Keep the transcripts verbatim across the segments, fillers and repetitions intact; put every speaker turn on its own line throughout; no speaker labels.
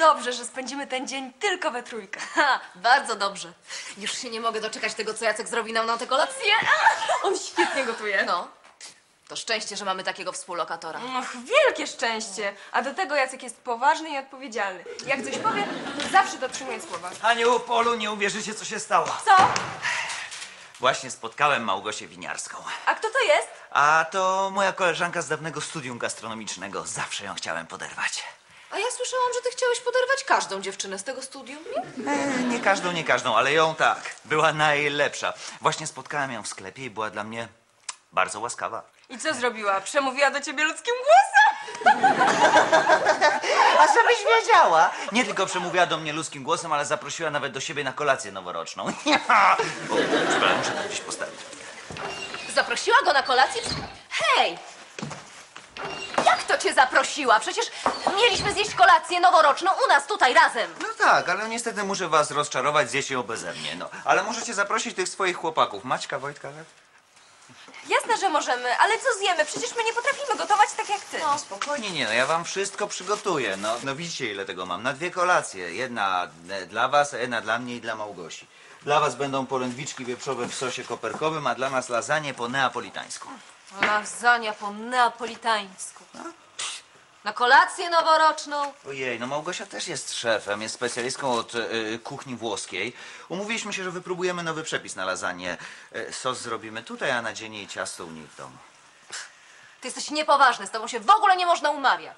dobrze, że spędzimy ten dzień tylko we trójkę.
Ha, bardzo dobrze. Już się nie mogę doczekać tego, co Jacek zrobi nam na tę kolację.
On świetnie gotuje.
No, to szczęście, że mamy takiego współlokatora.
Och, wielkie szczęście. A do tego Jacek jest poważny i odpowiedzialny. Jak coś powie, to zawsze dotrzymuje słowa.
Aniu, Polu, nie uwierzycie, co się stało.
Co?
Właśnie spotkałem Małgosię Winiarską.
A kto to jest?
A to moja koleżanka z dawnego studium gastronomicznego. Zawsze ją chciałem poderwać.
A ja słyszałam, że ty chciałeś poderwać każdą dziewczynę z tego studium, nie?
E, nie każdą, nie każdą, ale ją tak. Była najlepsza. Właśnie spotkałem ją w sklepie i była dla mnie bardzo łaskawa.
I co zrobiła? Przemówiła do ciebie ludzkim głosem?
A żebyś wiedziała! Nie tylko przemówiła do mnie ludzkim głosem, ale zaprosiła nawet do siebie na kolację noworoczną. O, przepraszam, muszę to gdzieś postawić.
Zaprosiła go na kolację? Hej! Jak to cię zaprosiła? Przecież mieliśmy zjeść kolację noworoczną u nas tutaj razem.
No tak, ale niestety muszę was rozczarować, zjecie ją beze mnie, no. Ale możecie zaprosić tych swoich chłopaków. Maćka, Wojtka, tak?
Jasne, że możemy, ale co zjemy? Przecież my nie potrafimy gotować tak jak ty.
No spokojnie, nie, no ja wam wszystko przygotuję, no. No widzicie, ile tego mam. Na dwie kolacje. Jedna e, dla was, a jedna dla mnie i dla Małgosi. Dla was będą polędwiczki wieprzowe w sosie koperkowym, a dla nas lasagne po neapolitańsku.
Lasagna po neapolitańsku. Na kolację noworoczną.
Ojej, no Małgosia też jest szefem, jest specjalistką od e, kuchni włoskiej. Umówiliśmy się, że wypróbujemy nowy przepis na lasagne. E, sos zrobimy tutaj, a na dzień jej ciasto u niej w domu.
Ty jesteś niepoważny, z tobą się w ogóle nie można umawiać.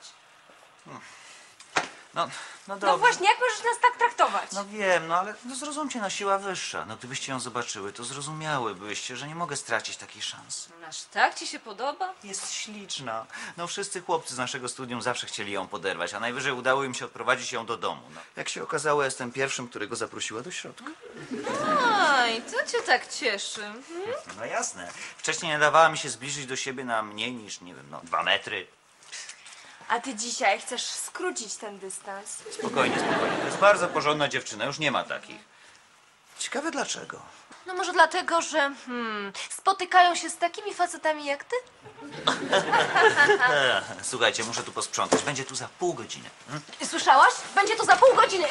No, no dobrze.
No właśnie, jak możesz nas tak traktować?
No wiem, no ale no zrozumcie, no siła wyższa. No gdybyście ją zobaczyły, to zrozumiałybyście, że nie mogę stracić takiej szansy.
Aż tak ci się podoba?
Jest śliczna. No wszyscy chłopcy z naszego studium zawsze chcieli ją poderwać, a najwyżej udało im się odprowadzić ją do domu. No. Jak się okazało, jestem pierwszym, którego zaprosiła do środka.
Aj, co cię tak cieszy? Hmm?
No jasne. Wcześniej nie dawała mi się zbliżyć do siebie na mniej niż, nie wiem, no dwa metry.
A ty dzisiaj chcesz skrócić ten dystans.
Spokojnie, spokojnie. To jest bardzo porządna dziewczyna, już nie ma takich. Ciekawe dlaczego.
No może dlatego, że hmm, spotykają się z takimi facetami jak ty?
E, słuchajcie, muszę tu posprzątać. Będzie tu za pół godziny. Hmm?
Słyszałaś? Będzie to za pół godziny.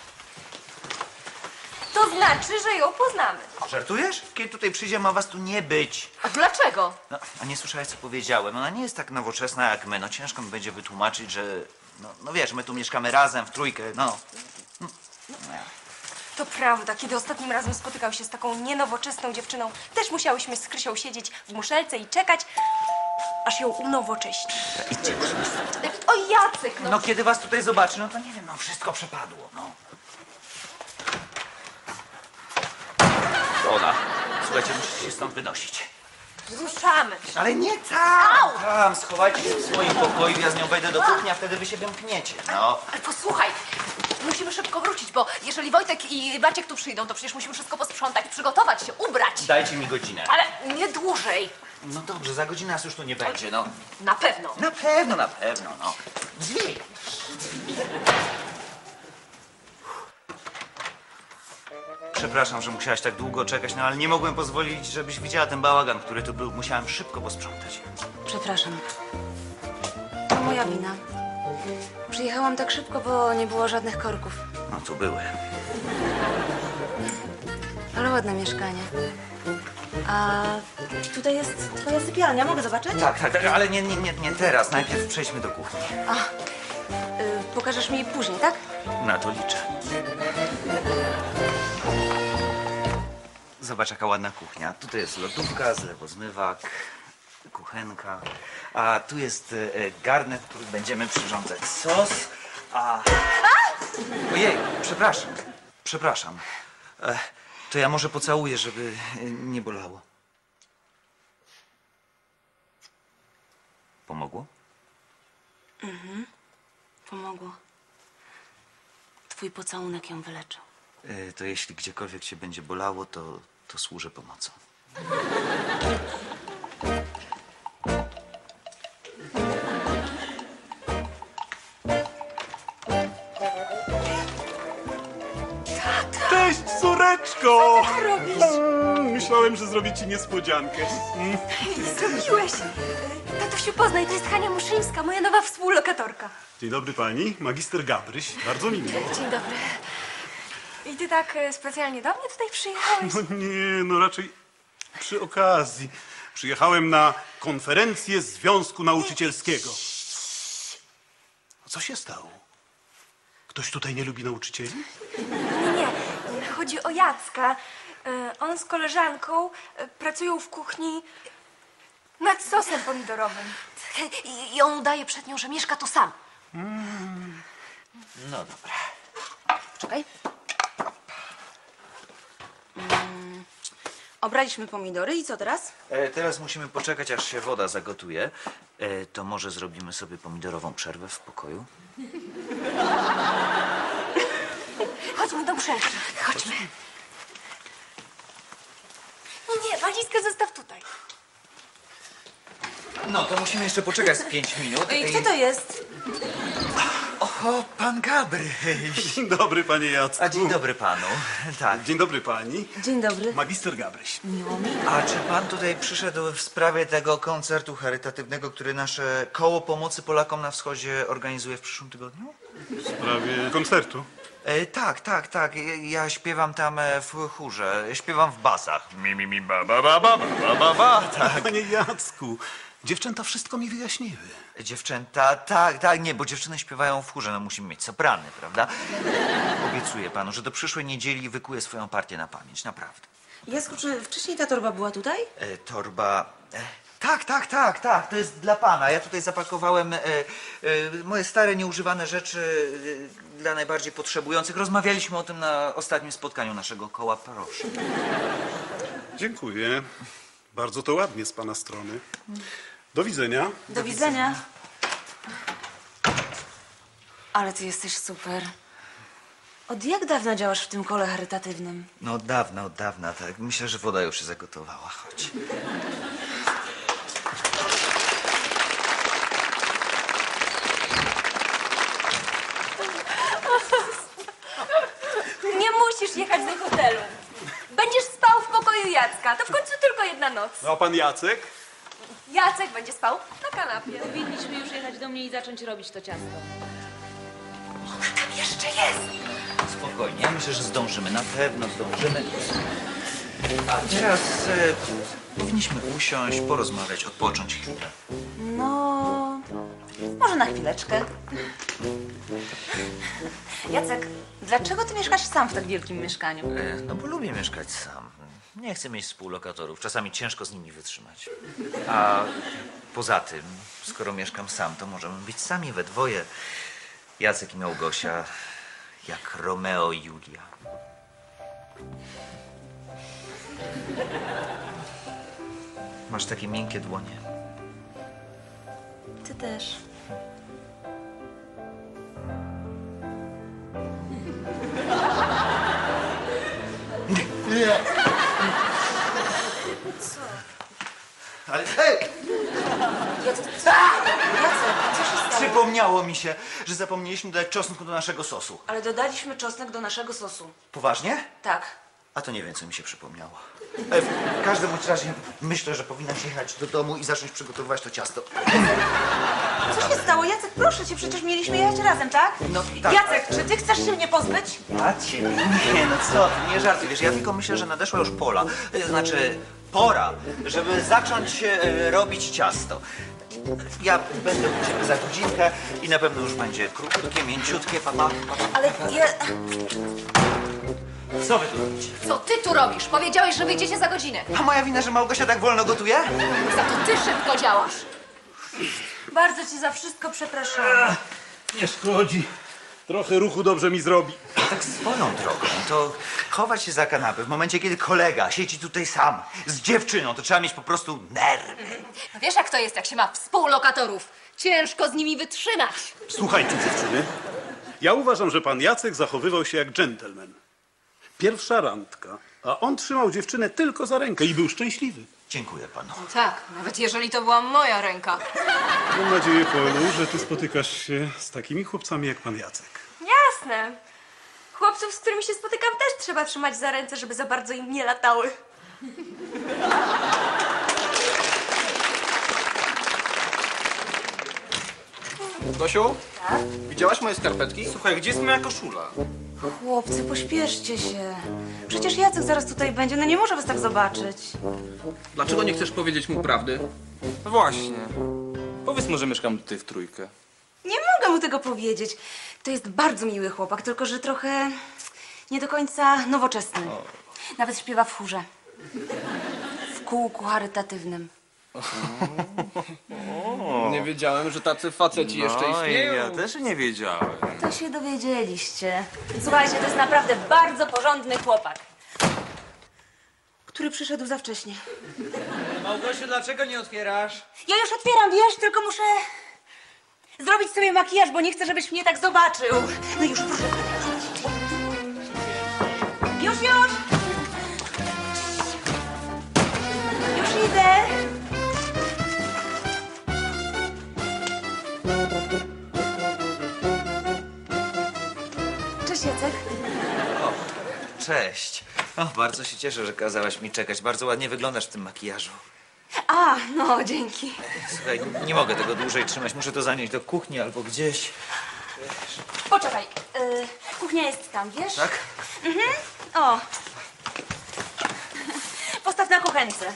To znaczy, że ją poznamy.
Żartujesz? Kiedy tutaj przyjdzie, ma was tu nie być.
A dlaczego?
No, a nie słyszałeś, co powiedziałem. Ona nie jest tak nowoczesna jak my. No ciężko mi będzie wytłumaczyć, że... No, no wiesz, my tu mieszkamy razem, w trójkę, no.
To prawda, kiedy ostatnim razem spotykał się z taką nienowoczesną dziewczyną, też musiałyśmy z Krysią siedzieć w muszelce i czekać, aż ją unowocześni.
Idźcie już.
O Jacek, no.
No kiedy was tutaj zobaczy, no to nie wiem, no wszystko przepadło, no. To ona. Słuchajcie, musicie się stąd wynosić.
Ruszamy.
Ale nie tam! Tam, schowajcie się w swoim pokoju, ja z nią wejdę do kuchni, a wtedy wy się wymkniecie, no.
Ale posłuchaj, musimy szybko wrócić, bo jeżeli Wojtek i Maciek tu przyjdą, to przecież musimy wszystko posprzątać, przygotować się, ubrać.
Dajcie mi godzinę.
Ale nie dłużej.
No dobrze, za godzinę nas już tu nie będzie, no.
Na pewno.
Na pewno, na pewno, no. Drzwi! Przepraszam, że musiałaś tak długo czekać, no ale nie mogłem pozwolić, żebyś widziała ten bałagan, który tu był. Musiałem szybko posprzątać.
Przepraszam. To moja wina. Przyjechałam tak szybko, bo nie było żadnych korków.
No tu były.
Ale ładne mieszkanie. A tutaj jest twoja sypialnia, mogę zobaczyć?
Tak, tak, tak, ale nie, nie, nie, nie teraz. Najpierw przejdźmy do kuchni.
A, y, pokażesz mi później, tak?
Na to liczę. Zobacz, jaka ładna kuchnia. Tutaj jest lodówka, zlewozmywak, kuchenka. A tu jest e, garnek, w którym będziemy przyrządzać sos. A... Ojej, przepraszam. Przepraszam. E, to ja może pocałuję, żeby e, nie bolało. Pomogło?
Pomogło. Twój pocałunek ją wyleczył.
E, to jeśli gdziekolwiek cię będzie bolało, to, to służę pomocą.
Cześć, córeczko!
Co robisz?
Mm, Myślałem, że zrobię ci niespodziankę.
Zrobiłeś. Tatusiu, poznaj, to jest Hania Muszyńska, moja nowa współlokatorka.
Dzień dobry pani, magister Gabryś. Bardzo miło.
Dzień dobry. I ty tak e, specjalnie do mnie tutaj przyjechałeś?
No nie, no raczej przy okazji. Przyjechałem na konferencję Związku Nauczycielskiego. Co się stało? Ktoś tutaj nie lubi nauczycieli?
Nie, nie. Chodzi o Jacka. E, On z koleżanką e, pracują w kuchni nad sosem pomidorowym.
I, I on udaje przed nią, że mieszka tu sam.
No dobra.
Czekaj. Mm, obraliśmy pomidory i co teraz?
E, teraz musimy poczekać, aż się woda zagotuje. E, to może zrobimy sobie pomidorową przerwę w pokoju?
Chodźmy do muszelki. Chodźmy. Nie, nie, walizkę zostaw tutaj.
No, to musimy jeszcze poczekać z pięć minut.
I kto to jest?
O, pan Gabryś.
Dzień dobry, panie Jacku.
A dzień dobry panu. Tak.
Dzień dobry pani,
Dzień dobry.
magister Gabryś.
A czy pan tutaj przyszedł w sprawie tego koncertu charytatywnego, który nasze koło pomocy Polakom na wschodzie organizuje w przyszłym tygodniu?
W sprawie koncertu.
E, tak, tak, tak. Ja, ja śpiewam tam e, w chórze. Śpiewam w basach. Mi, mi, mi, ba, ba, ba, ba, ba, ba, ba. Tak.
Panie Jacku, dziewczęta wszystko mi wyjaśniły.
Dziewczęta, tak, tak, nie, bo dziewczyny śpiewają w chórze, no musimy mieć soprany, prawda? Obiecuję panu, że do przyszłej niedzieli wykuję swoją partię na pamięć, naprawdę.
Jasku, czy wcześniej ta torba była tutaj?
E, torba... E, tak, tak, tak, tak, to jest dla pana. Ja tutaj zapakowałem e, e, moje stare, nieużywane rzeczy e, dla najbardziej potrzebujących. Rozmawialiśmy o tym na ostatnim spotkaniu naszego koła, proszę.
Dziękuję. Bardzo to ładnie z pana strony. Do widzenia.
Do widzenia. Ale ty jesteś super. Od jak dawna działasz w tym kole charytatywnym?
No od dawna, od dawna, tak. Myślę, że woda już się zagotowała. Chodź.
Nie musisz jechać do hotelu. Będziesz spał w pokoju Jacka. To w końcu tylko jedna noc.
No a pan Jacek?
Jacek będzie spał na kanapie.
Powinniśmy już jechać do mnie i zacząć robić to ciasto.
Tam jeszcze jest.
Spokojnie, ja myślę, że zdążymy, na pewno zdążymy. A teraz e, powinniśmy usiąść, porozmawiać, odpocząć chwilę.
No, może na chwileczkę. Jacek, dlaczego ty mieszkasz sam w tak wielkim mieszkaniu?
E, no bo lubię mieszkać sam. Nie chcę mieć współlokatorów, czasami ciężko z nimi wytrzymać. A poza tym, skoro mieszkam sam, to możemy być sami we dwoje. Jacek i Małgosia, jak Romeo i Julia. Masz takie miękkie dłonie.
Ty też.
Ale hej!
Jacek, co się stało?
Przypomniało mi się, że zapomnieliśmy dodać czosnku do naszego sosu.
Ale dodaliśmy czosnek do naszego sosu.
Poważnie?
Tak.
A to nie wiem, co mi się przypomniało. E, W każdym bądź razie myślę, że powinnaś jechać do domu i zacząć przygotowywać to ciasto.
Co się stało? Jacek, proszę cię, przecież mieliśmy jechać razem, tak?
No tak.
Jacek, czy ty chcesz się mnie pozbyć?
Ja ciebie nie, no co ty, nie żartuj, wiesz, ja tylko myślę, że nadeszła już pola, e, znaczy pora, żeby zacząć e, robić ciasto. Ja będę u ciebie za godzinkę i na pewno już będzie krótkie, mięciutkie, papa. papa.
Ale ja...
Co wy tu robicie?
Co ty tu robisz? Powiedziałeś, że wyjdziecie za godzinę.
A moja wina, że Małgosia tak wolno gotuje?
Za to ty szybko działasz.
Bardzo cię za wszystko przepraszam.
Nie szkodzi. Trochę ruchu dobrze mi zrobi.
Tak swoją drogą, to chować się za kanapę w momencie, kiedy kolega siedzi tutaj sam z dziewczyną, to trzeba mieć po prostu nerwy.
No wiesz, jak to jest, jak się ma współlokatorów. Ciężko z nimi wytrzymać.
Słuchajcie, dziewczyny. Ja uważam, że pan Jacek zachowywał się jak dżentelmen. Pierwsza randka, a on trzymał dziewczynę tylko za rękę i był szczęśliwy.
Dziękuję panu.
Tak, nawet jeżeli to była moja ręka.
Mam nadzieję, Polu, że ty spotykasz się z takimi chłopcami jak pan Jacek.
Jasne. Chłopców, z którymi się spotykam, też trzeba trzymać za ręce, żeby za bardzo im nie latały.
Gosiu? Tak? Widziałaś moje skarpetki? Słuchaj, gdzie jest moja koszula?
Chłopcy, pośpieszcie się. Przecież Jacek zaraz tutaj będzie, no nie może was tak zobaczyć.
Dlaczego nie chcesz powiedzieć mu prawdy?
Właśnie. Powiedz mu, że mieszkam tutaj w trójkę.
Nie mogę mu tego powiedzieć. To jest bardzo miły chłopak, tylko że trochę nie do końca nowoczesny. Nawet śpiewa w chórze. W kółku charytatywnym.
Nie wiedziałem, że tacy faceci jeszcze
No i
istnieją.
ja też nie wiedziałem.
To się dowiedzieliście. Słuchajcie, to jest naprawdę bardzo porządny chłopak. Który przyszedł za wcześnie.
Małgosiu, dlaczego nie otwierasz?
Ja już otwieram, wiesz, tylko muszę zrobić sobie makijaż, bo nie chcę, żebyś mnie tak zobaczył. No już, proszę. Już, już! Już idę. Cześć, Jacek.
O, cześć. O, bardzo się cieszę, że kazałaś mi czekać. Bardzo ładnie wyglądasz w tym makijażu.
A, no, dzięki.
Słuchaj, nie mogę tego dłużej trzymać. Muszę to zanieść do kuchni albo gdzieś.
Poczekaj, y, kuchnia jest tam, wiesz?
Tak?
O. Postaw na kuchence.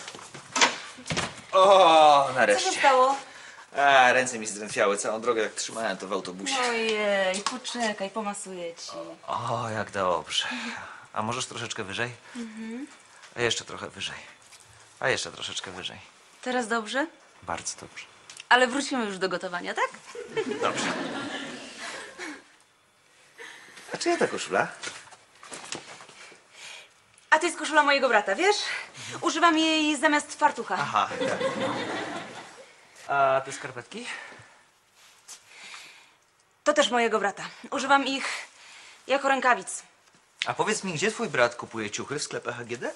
O,
Co się
nareszcie.
stało?
A, ręce mi zdrętwiały całą drogę, jak trzymałem to w autobusie.
Ojej, poczekaj, pomasuję ci.
O, jak dobrze. A możesz troszeczkę wyżej? A jeszcze trochę wyżej. A jeszcze troszeczkę wyżej.
Teraz dobrze?
Bardzo dobrze.
Ale wrócimy już do gotowania, tak?
Dobrze. A czyja ta koszula?
A to jest koszula mojego brata, wiesz? Używam jej zamiast fartucha.
Aha, tak. A te skarpetki?
To też mojego brata. Używam ich jako rękawic.
A powiedz mi, gdzie twój brat kupuje ciuchy w sklepach A G D?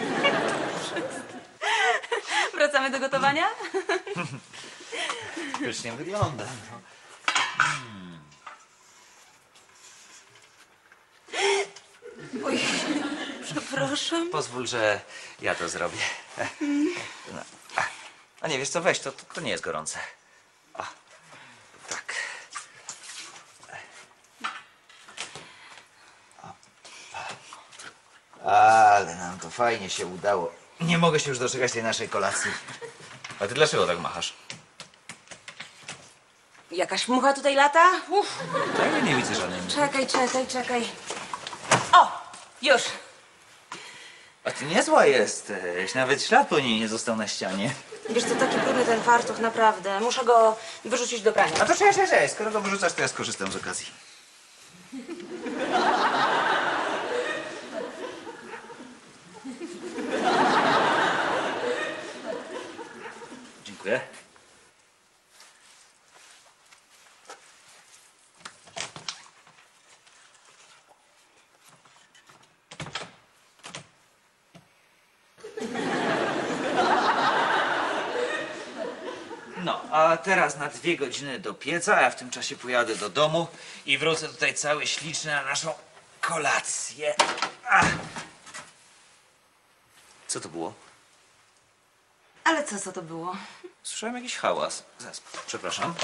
Wracamy do gotowania?
Pysznie wygląda. No.
Oj, przepraszam.
Pozwól, że ja to zrobię. No. A nie, wiesz co, weź, to, to nie jest gorące. O, tak. Ale nam to fajnie się udało. Nie mogę się już doczekać tej naszej kolacji. A ty dlaczego tak machasz?
Jakaś mucha tutaj lata? Uff.
Tak, ja nie widzę żadnej.
Czekaj, czekaj, czekaj. O, już.
A ty niezła jesteś. Nawet ślad po niej nie został na ścianie.
Wiesz co, taki brudny ten fartuch, naprawdę. Muszę go wyrzucić do prania.
A to cześć, cześć, cześć. Skoro go wyrzucasz, to ja skorzystam z okazji. Dziękuję. No, a teraz na dwie godziny do pieca, a ja w tym czasie pojadę do domu i wrócę tutaj cały śliczny na naszą kolację. Ach. Co to było?
Ale co, co to było?
Słyszałem jakiś hałas. Zaraz, przepraszam.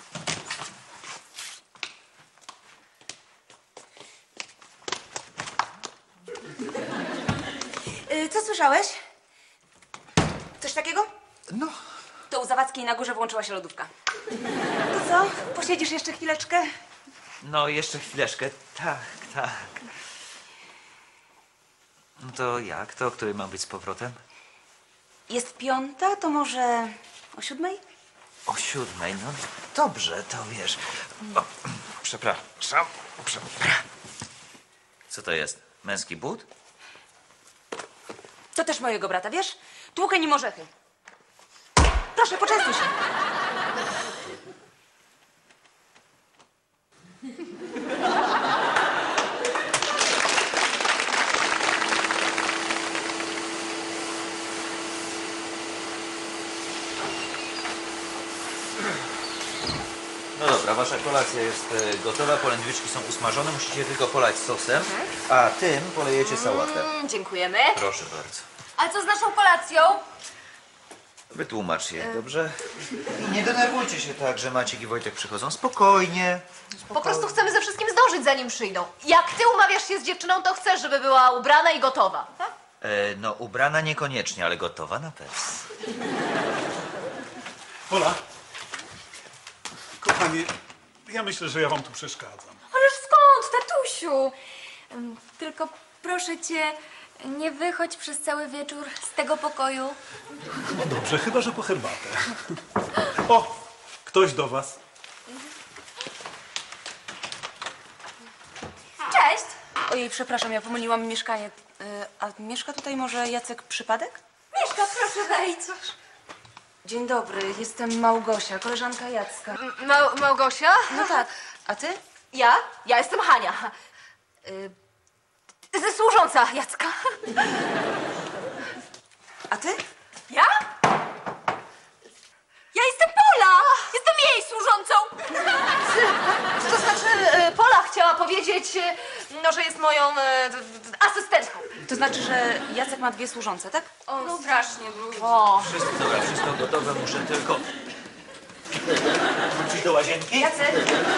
Y, co słyszałeś? Coś takiego?
No,
To u Zawadzkiej na górze włączyła się lodówka. To co? Posiedzisz jeszcze chwileczkę?
no jeszcze chwileczkę. Tak, tak. No to jak? To o której mam być z powrotem?
Jest piąta, to może o siódmej?
O siódmej, no dobrze, to wiesz. O, przepraszam, przepraszam. Co to jest? Męski but?
To też mojego brata, wiesz? Tłukę nim orzechy. Proszę, poczęstuj się.
No dobra, wasza kolacja jest e, gotowa, polędwiczki są usmażone, musicie tylko polać sosem, a tym polejecie sałatę.
Mm, dziękujemy.
Proszę bardzo.
A co z naszą kolacją?
Wytłumacz je, dobrze? I nie denerwujcie się tak, że Maciek i Wojtek przychodzą. Spokojnie.
Po prostu chcemy ze wszystkim zdążyć, zanim przyjdą. Jak ty umawiasz się z dziewczyną, to chcesz, żeby była ubrana i gotowa. Tak?
E, no, ubrana niekoniecznie, ale gotowa na pewno.
Pola, kochanie, ja myślę, że ja wam tu przeszkadzam.
Ależ skąd, tatusiu? Ym, Tylko proszę cię, nie wychodź przez cały wieczór z tego pokoju.
No dobrze, chyba że po herbatę. O, ktoś do was.
Cześć!
Ojej, przepraszam, ja pomyliłam mieszkanie. Y, A mieszka tutaj może Jacek Przypadek?
Mieszka, proszę wejdź.
Dzień dobry, jestem Małgosia, koleżanka Jacka.
Ma Małgosia?
No tak, a ty?
Ja? Ja jestem Hania. Y, ze służąca Jacka.
A ty?
Ja? Ja jestem Pola! Jestem jej służącą!
To znaczy, y, Pola chciała powiedzieć, y, no, że jest moją y, d- d- asystentką.
To znaczy, że Jacek ma dwie służące, tak?
O, strasznie.
O,
Wszystko, dobra, wszystko gotowe, muszę tylko wrócić do łazienki.
Jacek.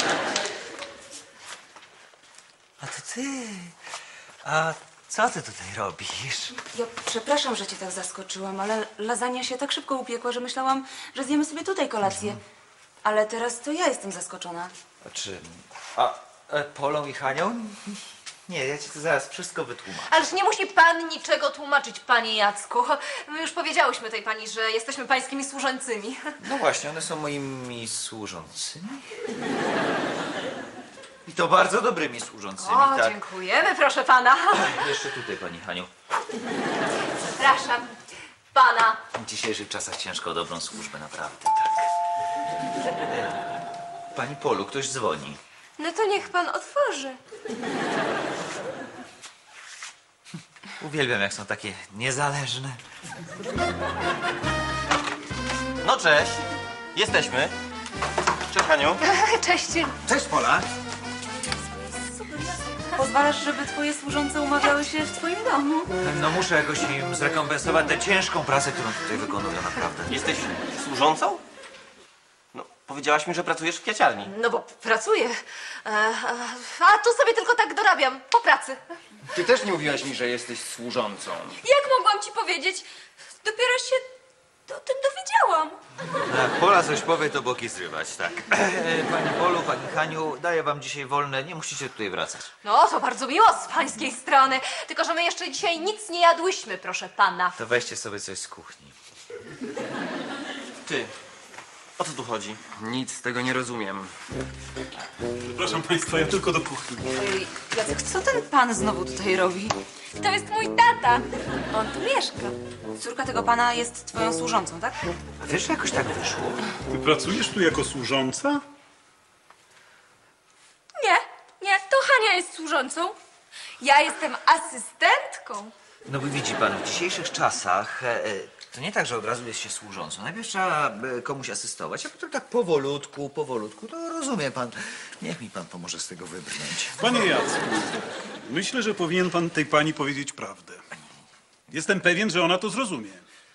A to ty. A co ty tutaj robisz?
Ja przepraszam, że cię tak zaskoczyłam, ale lasagna się tak szybko upiekła, że myślałam, że zjemy sobie tutaj kolację. Ale teraz to ja jestem zaskoczona.
A czy... A e, Polą i Hanią? Nie, ja ci to zaraz wszystko wytłumaczę.
Ależ nie musi pan niczego tłumaczyć, panie Jacku. My już powiedziałyśmy tej pani, że jesteśmy pańskimi służącymi.
No właśnie, one są moimi służącymi. I to bardzo dobrymi służącymi,
O,
tak?
dziękujemy, proszę pana.
Jeszcze tutaj, pani Haniu.
Przepraszam pana.
W dzisiejszych czasach ciężko o dobrą służbę, naprawdę, tak. E, Pani Polu, ktoś dzwoni.
No to niech pan otworzy.
Uwielbiam, jak są takie niezależne.
No cześć. Jesteśmy. Cześć, Haniu.
Cześć.
Cześć, Pola.
Pozwalasz, żeby twoje służące umawiały się w twoim domu?
No muszę jakoś im zrekompensować tę ciężką pracę, którą tutaj wykonują, naprawdę.
Jesteś służącą? No, powiedziałaś mi, że pracujesz w kwiaciarni.
No bo pracuję. E, e, A tu sobie tylko tak dorabiam, po pracy.
Ty też nie mówiłaś mi, że jesteś służącą.
Jak mogłam ci powiedzieć? Dopiero się o tym dowiedziałam.
Jak Pola coś powie, to boki zrywać, tak. Pani Polu, pani Haniu, daję wam dzisiaj wolne, nie musicie tutaj wracać.
No, to bardzo miło z pańskiej strony. Tylko, że my jeszcze dzisiaj nic nie jadłyśmy, proszę pana.
To weźcie sobie coś z kuchni.
Ty. O co tu chodzi?
Nic z tego nie rozumiem.
Przepraszam państwa, ja tylko do kuchni.
Ojej, Jacek, co ten pan znowu tutaj robi?
To jest mój tata. On tu mieszka.
Córka tego pana jest twoją służącą, tak?
A wiesz, że jakoś tak wyszło?
Ty pracujesz tu jako służąca?
Nie, nie, to Hania jest służącą. Ja jestem asystentką.
No bo widzi pan, w dzisiejszych czasach e, e, to nie tak, że od razu jest się służącą. Najpierw trzeba e, komuś asystować, a potem tak powolutku, powolutku, to rozumie pan. Niech mi pan pomoże z tego wybrnąć.
Panie Jacku, myślę, że powinien pan tej pani powiedzieć prawdę. Jestem pewien, że ona to zrozumie.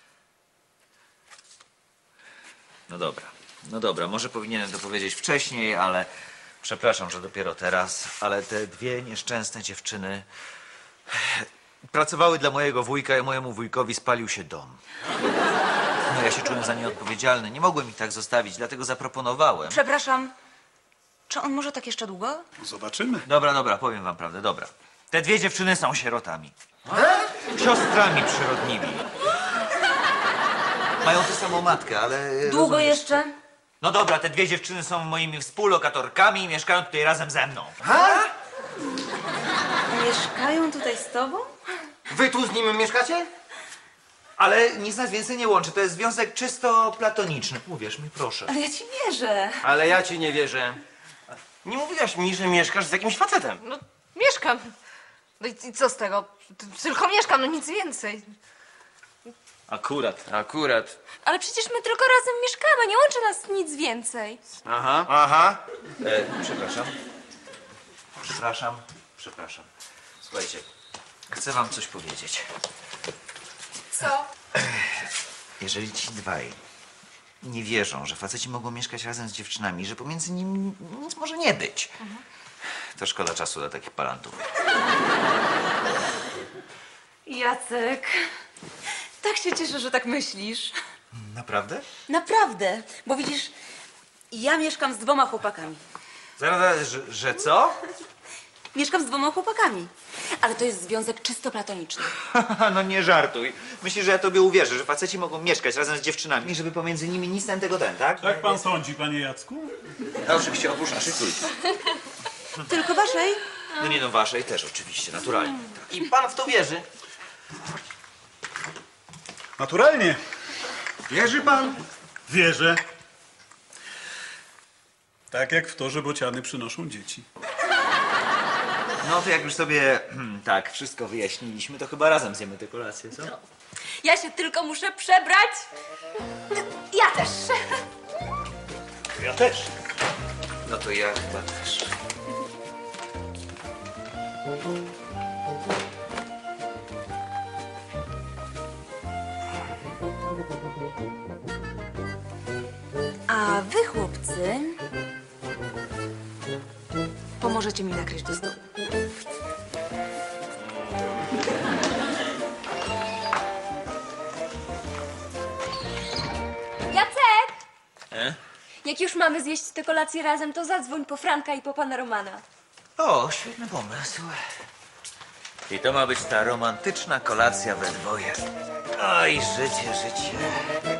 No dobra, no dobra, może powinienem to powiedzieć wcześniej, ale przepraszam, że dopiero teraz, ale te dwie nieszczęsne dziewczyny pracowały dla mojego wujka i mojemu wujkowi spalił się dom. No ja się czułem za nie odpowiedzialny, nie mogłem ich tak zostawić, dlatego zaproponowałem.
Przepraszam, czy on może tak jeszcze długo?
Zobaczymy.
Dobra, dobra, powiem wam prawdę, dobra. Te dwie dziewczyny są sierotami. Siostrami przyrodnimi. Mają tę samą matkę, ale...
Długo
rozumiesz.
jeszcze?
No dobra, te dwie dziewczyny są moimi współlokatorkami i mieszkają tutaj razem ze mną.
Mieszkają tutaj z tobą?
Wy tu z nim mieszkacie?
Ale nic nas więcej nie łączy, to jest związek czysto platoniczny. Uwierz mi, proszę.
Ale ja ci wierzę.
Ale ja ci nie wierzę. Nie mówiłaś mi, że mieszkasz z jakimś facetem.
No, mieszkam. No i i co z tego? T- Tylko mieszkam, no nic więcej.
Akurat.
Akurat.
Ale przecież my tylko razem mieszkamy, nie łączy nas nic więcej.
Aha. Aha.
E, przepraszam. Przepraszam. Przepraszam. Słuchajcie, chcę wam coś powiedzieć.
Co?
jeżeli ci dwaj nie wierzą, że faceci mogą mieszkać razem z dziewczynami, że pomiędzy nimi nic może nie być, to szkoda czasu dla takich palantów.
Jacek, tak się cieszę, że tak myślisz.
Naprawdę?
Naprawdę, bo widzisz, ja mieszkam z dwoma chłopakami.
Zaraz, zaraz, że, że co?
Mieszkam z dwoma chłopakami, ale to jest związek czysto platoniczny.
No nie żartuj. Myślisz, że ja tobie uwierzę, że faceci mogą mieszkać razem z dziewczynami i żeby pomiędzy nimi nic ten tego ten, tak?
Tak pan sądzi, panie Jacku?
No oczywiście, oprócz naszej trójki.
Tylko waszej?
No nie no, waszej też oczywiście, naturalnie.
I pan w to wierzy?
Naturalnie.
Wierzy pan?
Wierzę. Tak jak w to, że bociany przynoszą dzieci.
No to jak już sobie hmm, tak wszystko wyjaśniliśmy, to chyba razem zjemy tę kolację, co?
Ja się tylko muszę przebrać.
Ja też.
Ja też.
No to ja chyba też.
A wy, chłopcy, pomożecie mi nakryć do stołu.
Jacek!
E?
Jak już mamy zjeść tę kolację razem, to zadzwoń po Franka i po pana Romana.
O, świetny pomysł. I to ma być ta romantyczna kolacja we dwoje. Oj, życie, życie.